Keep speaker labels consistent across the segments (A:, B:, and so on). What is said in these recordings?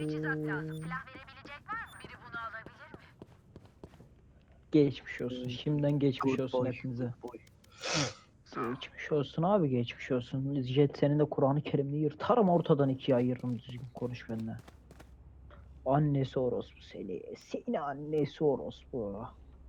A: Geçmiş olsun. Şimdiden geçmiş
B: Good
A: olsun
B: boy,
A: hepinize.
B: good boy.
A: Geçmiş olsun abi, geçmiş olsun. Jet senin de Kur'an-ı Kerim'ini yırtarım, ortadan ikiye ayırırım, düzgün konuş benimle. Annesi orospu seni. Seni annesi orospu.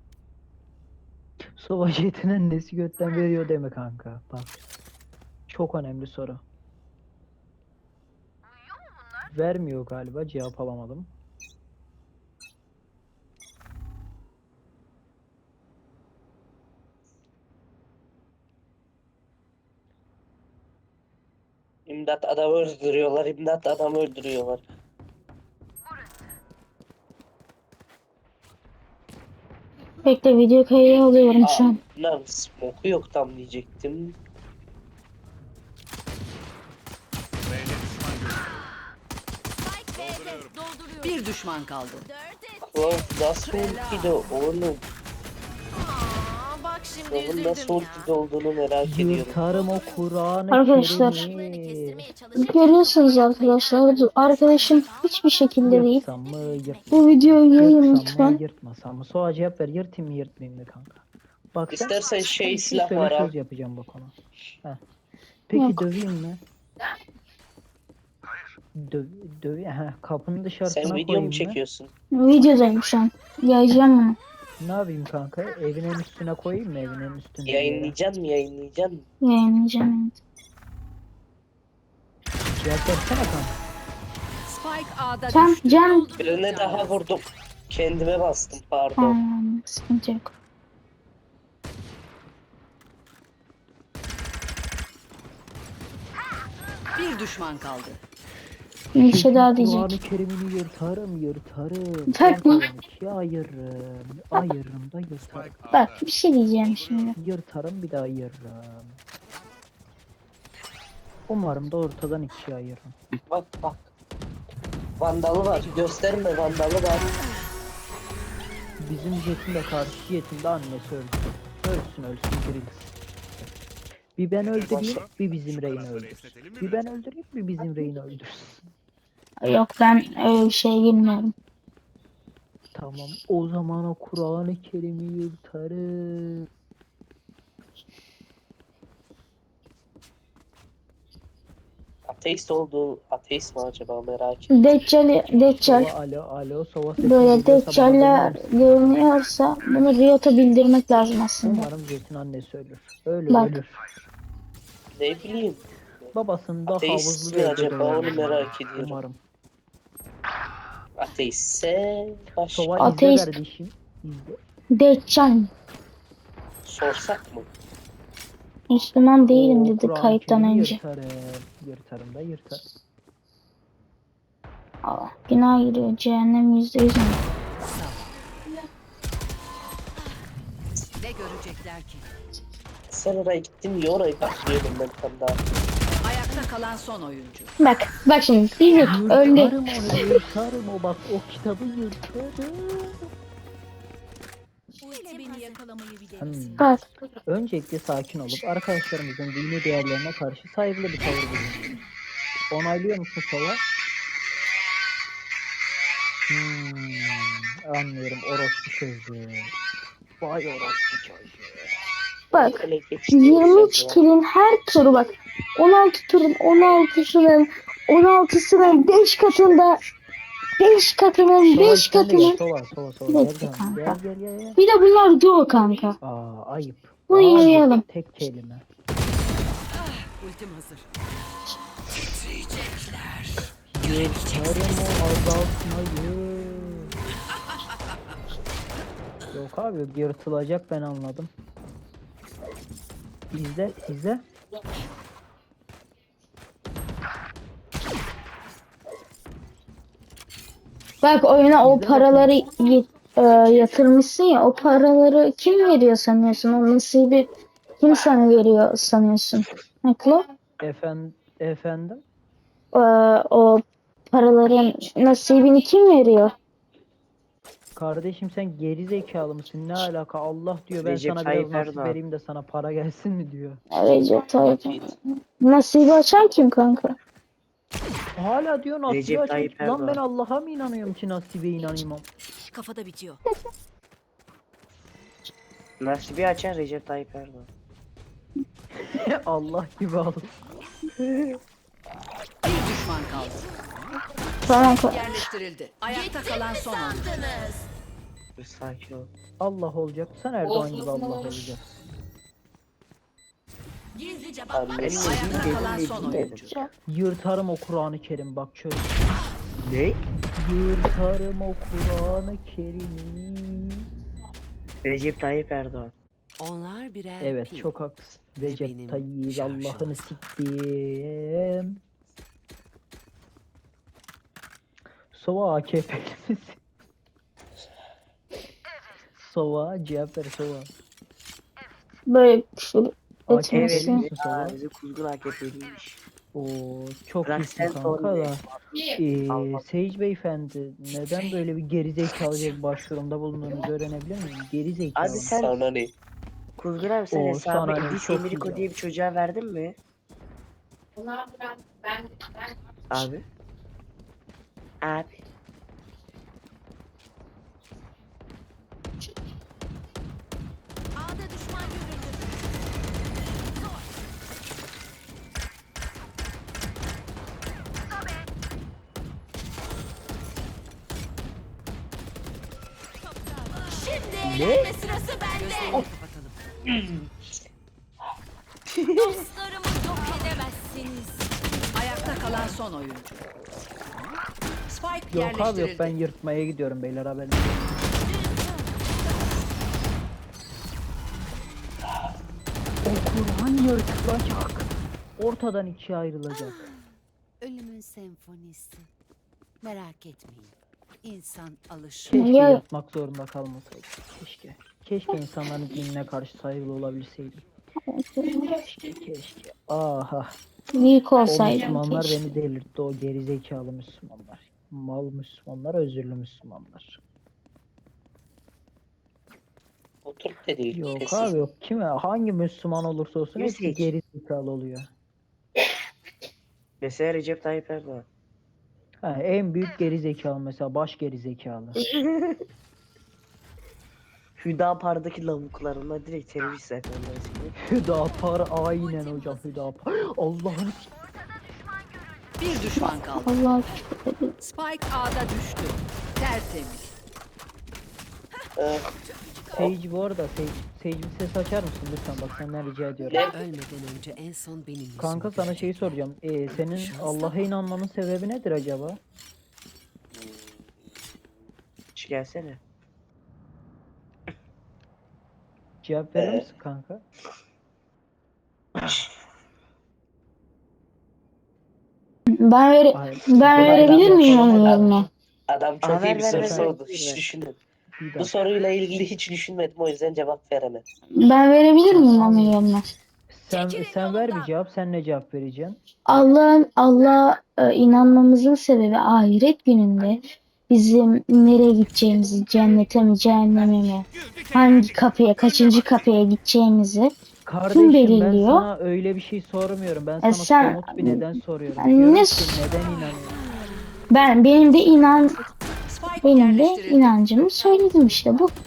A: Sova Jet'in annesi götten veriyor deme kanka. Bak. Çok önemli soru. Vermiyor galiba, cevap alamadım.
B: İmdat adamı öldürüyorlar, imdat adamı öldürüyorlar.
C: Bekle, video kaydı alıyorum şu an.
B: Lan smoke'u yok tam diyecektim.
D: Bir düşman kaldı.
B: Klov nasıl ultiydi oğlum?
D: Bak şimdi
B: Klov'un
D: üzüldüm
B: nasıl
D: ya.
B: ultide olduğunu merak ediyorum.
A: Yırtarım o Kur'an-ı
C: Arkadaşlar,
A: Kerim'i.
C: görüyorsunuz arkadaşlar, arkadaşım hiçbir şekilde değil.
A: Yırtsam mı
C: Bu videoyu yayın
A: yırtsam mı
C: lütfen.
A: yırtmasam mı? Soğa cevap ver, yırtayım mı yırtmayayım mı kanka? Bak sen
B: İstersen şey
A: bir
B: silah
A: söyle,
B: var
A: söz
B: abi.
A: yapacağım bak ona. Heh. Peki
C: Yok.
A: döveyim mi? Döveyim. Heh, kapının
B: Sen
A: dışarısına
B: video mu
A: koyayım mı?
B: çekiyorsun?
C: Videodayım şu an. Yayacağım bunu.
A: Ne yapayım kanka? Evin en üstüne koyayım mı, evin en üstünde bir yere?
B: Yayınlayacaksın mı yayınlayacaksın mı?
C: Yayınlayacağım.
A: Cevap versene kanka.
D: Spike A'da
C: Can,
D: düştü.
C: Can.
B: Birine daha vurdum. Kendime bastım pardon.
C: Tamam, sıkıntı yok.
D: Bir düşman kaldı.
C: Bir şey daha
A: Kur'an-ı
C: diyecek.
A: Kerim'ini yırtarım.
C: Bak mı?
A: Ortadan ikiye ayırırım da yırtarım.
C: Bak, bir şey diyeceğim şimdi.
A: Yırtarım, bir daha ayırırım. Umarım da ortadan ikiye ayırırım.
B: Bak bak. Vandalı var. Gösterme vandalı var.
A: Bizim Jet'in de karşı Jet'in de annesi öldü. Ölsün dirilsin. Bir ben öldüreyim, bir bizim Reyna öldürsün. Bir ben öldüreyim, bir bizim Reyna öldürsün.
C: Yok, ben öyle bir şeye girmiyorum.
A: Tamam, o zaman o Kur'an-ı Kerim'i yırtarım.
B: Ateist mi acaba merak ettim.
C: Deccal
A: Alo, Sova sesini
C: böyle
A: duyuyorsa bana
C: Deccal'ler
A: döner misin?
C: görünüyorsa bunu Riot'a bildirmek lazım aslında.
A: Umarım Jet'in annesi ölür. Ölür,
C: Bak.
A: ölür.
B: Ne bileyim.
A: Babasını da
B: Ateist
A: havuzlu
B: mi
A: evde
B: acaba,
A: döver.
B: onu merak ediyorum.
A: Umarım.
B: Ateistse başka.
A: Sova
C: Ateist.
A: izle kardeşim. İzle.
C: Deccal.
B: Sorsak mı?
C: Müslüman değilim
A: Oo,
C: dedi
A: Kur'an-ı
C: kayıttan
A: Kerim'i
C: önce.
A: Yırtarım da yırtarım.
C: Allah, günah giriyor. Cehennem %100 mü?
D: Ne görecekler ki?
B: Sen oraya gittin ya, orayı bekliyordum ben tam daha.
D: Ayakta kalan son oyuncu.
C: Bak şimdi diyecek öldü.
A: Yırtarım onu, yırtarım o, bak o kitabı yırtarım.
D: Beni yakalamayı bir
C: Bak,
A: Öncelikle sakin olup arkadaşlarımızın dini değerlerine karşı saygılı bir tavır bulunuyoruz. Onaylıyor musun Sova? Anlıyorum, orospu çocuğu. Vay orospu çocuğu.
C: bak.
B: Öyle geçti
C: 23
B: ya.
C: kilin her turu bak. 16 turun 16'sının 5 katında 5 katının 5
A: Sova sen de gel,
C: katının.
A: Sova
C: Bir
A: gel
C: dakika
A: canım,
C: kanka.
A: gel.
C: Bir de bunlar duo kanka.
A: Ayıp.
C: Bunu
A: Ayıp.
C: yayalım.
A: Tek kelime.
D: Ultim hazır.
A: Yırtarım o azaltmayı. Yok abi, yırtılacak, ben anladım. İzle.
C: Bak, oyuna o
A: İzle
C: paraları yatırmışsın ya, o paraları kim veriyor sanıyorsun? O nasibi kim sana veriyor sanıyorsun? Haklı.
A: Efendim?
C: O paraların nasibini kim veriyor?
A: Kardeşim sen geri zekalı mısın? Ne alaka? Allah diyor ben
B: Recep
A: sana biraz
B: Tayyip
A: nasip
B: Erdoğan.
A: vereyim de sana para gelsin mi diyor.
C: Recep Tayyip. Nasibi açan kim kanka?
A: Hala diyor
B: Recep
A: nasibe
B: Tayyip
A: açmış. Lan ben
B: Erdoğan.
A: Allah'a mı inanıyorum ki nasibe inanayım?
D: Kafada bitiyor.
B: Nasibi açan Recep Tayyip Erdoğan.
A: Allah gibi al.
D: Bir düşman kaldı.
C: Tamam.
D: Yerleştirildi. Ayakta kalan son oyuncu.
B: Dur, sakin ol.
A: Allah olacak. Sen Erdoğan gibi Allah olacak.
D: Gizlice
B: Abi, benim
D: Ayakta
B: dediğim
D: kalan
B: dedim,
D: son
B: dedim.
D: oyuncu.
A: Yırtarım o Kur'an-ı Kerim bak şöyle.
B: Ne?
A: Yırtarım o Kur'an-ı Kerim'i.
B: Recep Tayyip Erdoğan.
D: Onlar birer
A: Evet
D: pil.
A: çok haklısın.
D: Ve
A: Recep
D: benim
A: Tayyip
D: şarjım
A: Allah'ını
D: az.
A: siktim. Sova AKP'li misin? Sova cevap ver Sova.
C: Böyle küfür
A: AKP'li
C: etmesin.
A: misin Sova?
B: Aa, bizi kuzgun AKP'liymiş.
A: Oo çok
B: Bırak
A: iyisin
B: sen
A: kanka
B: sorunu.
A: da.
B: Allah.
A: Sage beyefendi neden böyle bir gerizekalıca bir başvurumda bulunduğunuzu öğrenebilir miyim? Gerizekalı.
B: Abi sen...
E: Sana ne?
B: Kuzgun abi sen
A: Oo,
B: hesabı
A: sana ne?
B: İdris
A: Çok
B: Emiriko
A: güzel.
B: diye bir çocuğa verdin mi? Abi. Abi.
D: A'da düşman görüldü. Şimdi eğlenme sırası bende. Gözlerini kapatalım. Dostlarımı yok edemezsiniz. Ayakta kalan son oyuncu. Spike
A: Yok abi yok
D: yerleştirildi.
A: ben yırtmaya gidiyorum beyler haberiniz olsun. O Kur'an yırtılacak. Ortadan ikiye ayrılacak.
D: Ölümün senfonisi. Merak etmeyin. İnsan alışır.
A: Keşke
C: Ya-
A: yırtmak zorunda kalmasaydım. Keşke. Keşke insanların dinine karşı saygılı olabilseydim. Keşke. Aha.
C: Büyük
A: O
C: olsaydım
A: Müslümanlar
C: keşke.
A: beni delirtti. O gerizekalı Müslümanlar. Mal Müslümanlar, özürlü Müslümanlar.
E: Oturup da değil.
A: Yok
E: sessiz.
A: abi yok. Kime? Hangi Müslüman olursa olsun hepsi
B: Müzik.
A: gerizekalı oluyor.
B: Mesela Recep Tayyip Erdoğan.
A: Ha, en büyük gerizekalı mesela baş gerizekalı.
B: Hüdapar'daki lavuklarına direkt terörist zaten.
A: Hüdapar aynen hocam Hüdapar. Allah'ını
D: Bir düşman kaldı.
C: Allah
D: Spike A'da düştü. Tertemiz.
A: Sage bu arada Sage bir ses açar mısın lütfen bak senden rica ediyorum.
D: Ölmeden önce en son benim yüzümü
A: Kanka sana şeyi soracağım. Senin Allah'a inanmanın sebebi nedir acaba?
B: Şu gelsene.
A: Cevap verir misin kanka? Hayır.
C: Ben verebilir miyim onun yerine?
E: Adam çok
B: Aa,
E: iyi bir
B: ver,
E: soru
B: ver,
E: sordu.
B: ver.
E: Hiç düşünmedim.
A: Bir
E: Bu
A: dakika.
E: soruyla ilgili hiç düşünmedim. O yüzden cevap veremedim.
C: Ben verebilir miyim onun yerine?
A: Sen ver bir cevap. Sen ne cevap vereceksin?
C: Allah inanmamızın sebebi ahiret gününde bizim nereye gideceğimizi, cennete mi, cehenneme mi, hangi kapıya, kaçıncı kapıya gideceğimizi
A: Kardeşim ben
C: belirliyor?
A: sana öyle bir şey sormuyorum. Ben sana
C: sen-
A: somut bir neden soruyorum.
C: Ben
A: Diyorum
C: ne
A: ki
C: s-
A: neden inanıyorsun?
C: benim de
D: Spike
C: benim de
D: yerleştirildi.
C: inancımı söyledim işte bu.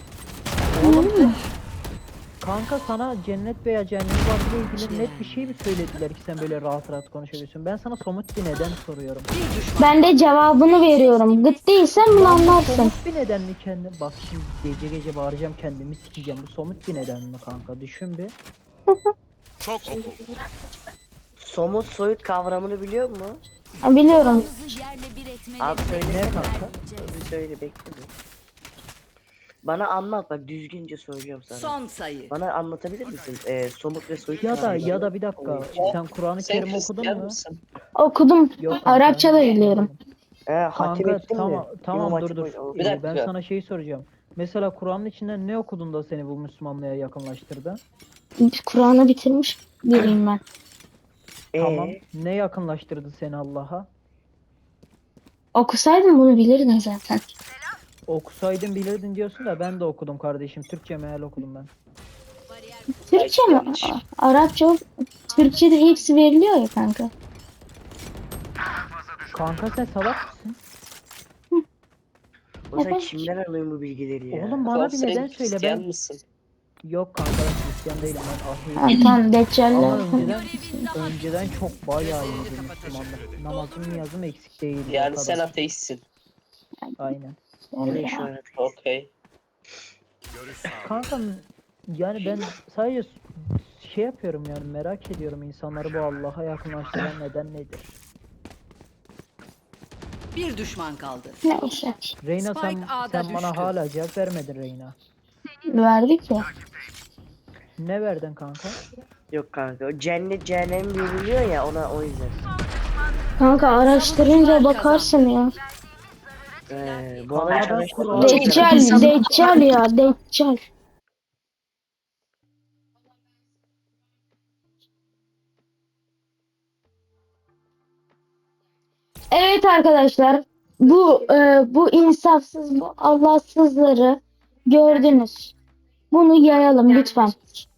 A: Kanka sana cennet veya cehennem varlığı ilgili net bir şey mi söylediler ki sen böyle rahat rahat konuşabiliyorsun? Ben sana somut bir neden soruyorum.
D: Bir düşman.
C: Ben de cevabını veriyorum. Gıt değilsen bunu
A: Lan bu
C: anlarsın.
A: somut bir neden mi kendi? Bak şimdi gece gece bağıracağım kendimi sikeceğim. Bu somut bir neden mi kanka? Düşün bir.
F: Çok oku.
B: Somut soyut kavramını biliyor musun?
C: Biliyorum.
B: Abi söyle.
A: Ne kanka?
B: Bir söyle bekle bir. Bana anlat bak düzgünce söylüyorum sana.
D: Son sayı.
B: Bana anlatabilir misin? Somut ve soyut
A: Ya da
B: kavramları.
A: bir dakika. Sen Kur'an-ı
E: Sen
A: Kerim okudun
E: Hristiyan
A: mu?
E: mısın?
C: Okudum.
A: Yok kanka.
C: Arapça da biliyorum.
B: Hatim
A: Kanka
B: ettin
A: tamam
B: mi?
A: tamam
B: İmam
A: dur
B: Hatip
A: dur.
B: Hoca-
E: Bir dakika.
A: Ben sana şeyi soracağım. Mesela Kur'an'ın içinden ne okudun da seni bu Müslümanlığa yakınlaştırdı?
C: Kur'an'ı bitirmiş biriyim ben.
A: Tamam. Ne yakınlaştırdı seni Allah'a?
C: Okusaydım bunu bilirdin zaten.
A: Okusaydın bilirdin diyorsun da ben de okudum kardeşim. Türkçe meal okudum ben.
C: Türkçe mi? Arapça, Türkçe'de hepsi veriliyor ya kanka.
A: Kanka sen salak mısın?
B: O sen
C: Evet.
B: kimden alıyorsun bu bilgileri ya?
A: Oğlum bana
E: Oğlum
A: bir
E: sen
A: neden söyle
E: Hristiyan
A: ben.
E: mısın?
A: Yok kanka ben Hristiyan değilim ben
C: Ha,
A: ahiyim.
C: tamam Deccal'le.
A: Ama önceden çok bayağı iyiydim Müslümanlar. Namazım niyazım eksik değildi o
E: Yani sen
A: kadar.
E: ateistsin.
A: Aynen.
B: Evet şu an.
E: Okey.
F: Görüş sağlıyorum.
A: Kankam yani ben sadece şey yapıyorum yani merak ediyorum insanları bu Allah'a yakınlaştıran neden nedir?
D: Bir düşman kaldı.
C: Neyse.
A: Reyna sen,
D: Spike A'da
A: sen bana
D: düştü.
A: hala cevap vermedin Reyna.
C: Verdik ya.
A: Ne verdin kanka?
B: Yok kanka. O cennet cehennem veriliyor ya ona o yüzden.
C: Kanka araştırınca
D: Savunucular
C: bakarsın ya.
B: Bu adam
A: Kanka ben
B: çalıştı.
A: Kur'an-
C: Deccal ya Deccal. Evet arkadaşlar bu insafsız bu Allahsızları gördünüz. Bunu yayalım lütfen.